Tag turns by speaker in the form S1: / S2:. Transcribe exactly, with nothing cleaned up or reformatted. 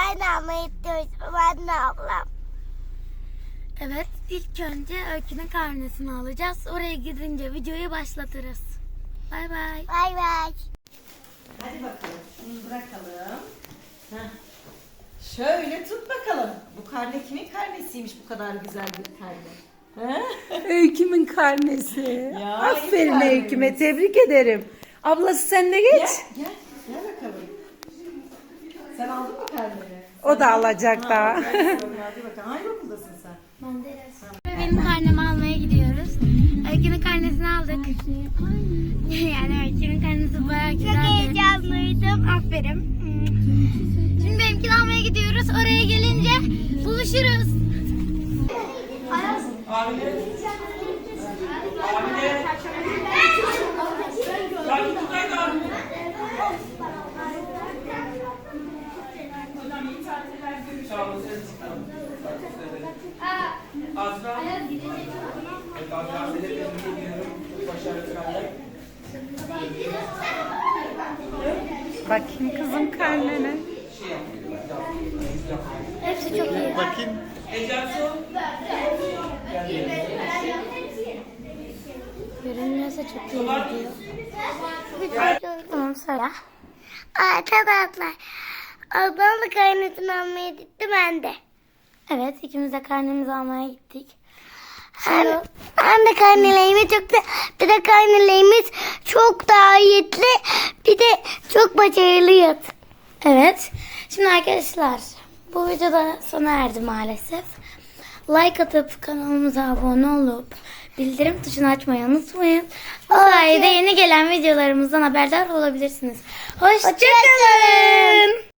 S1: karne almaya gidiyoruz. Ben de ablam.
S2: Evet, ilk önce Öykü'nün karnesini alacağız. Oraya gidince videoyu başlatırız. Bay bay.
S1: Bay bay.
S3: Hadi bakalım. Şunu bırakalım. Heh. Şöyle tut bakalım. Bu karne kimin karnesiymiş bu kadar güzel bir karne? He?
S4: Öykümün karnesi.
S3: Ya,
S4: Aferin
S3: iyi karnemiz.
S4: Öyküme, tebrik ederim. Ablası sen de geç.
S3: Gel, gel. Gel bakalım. Sen aldın mı karneni?
S4: O da alacak daha.
S3: Ha, hadi bakalım, hadi bakalım. Hangi okuldasın sen?
S2: Benim karnemi almaya gidiyoruz. Öykü'nün karnesini aldık. Yani Öykü'nün karnesi bayağı
S1: Çok
S2: güzeldi.
S1: heyecanlıydım.
S2: Aferin. Şimdi benimkini almaya gidiyoruz. Oraya gelince buluşuruz.
S5: Azra. Evet, Azra seni tebrik ediyorum. Başarılı.
S4: Bakayım kızım karnene.
S2: Hepsi çok iyi.
S5: Bakayım. Ecansu.
S2: Görünmüyorsa çok iyi gidiyor. Tamam söyle.
S1: Arkadaşlar. Ablam da karnesini almaya gitti, ben de.
S2: Evet, ikimiz de karnemizi almaya gittik.
S1: Hem, hem de karnelerimiz çok da, bir de karnelerimiz çok daha iyiydi. Bir de çok başarılıyız.
S2: Evet. Şimdi arkadaşlar, bu videoda sona erdi maalesef. Like atıp kanalımıza abone olup bildirim tuşunu açmayı unutmayın. Bu sayede yeni gelen videolarımızdan haberdar olabilirsiniz. Hoşçakalın.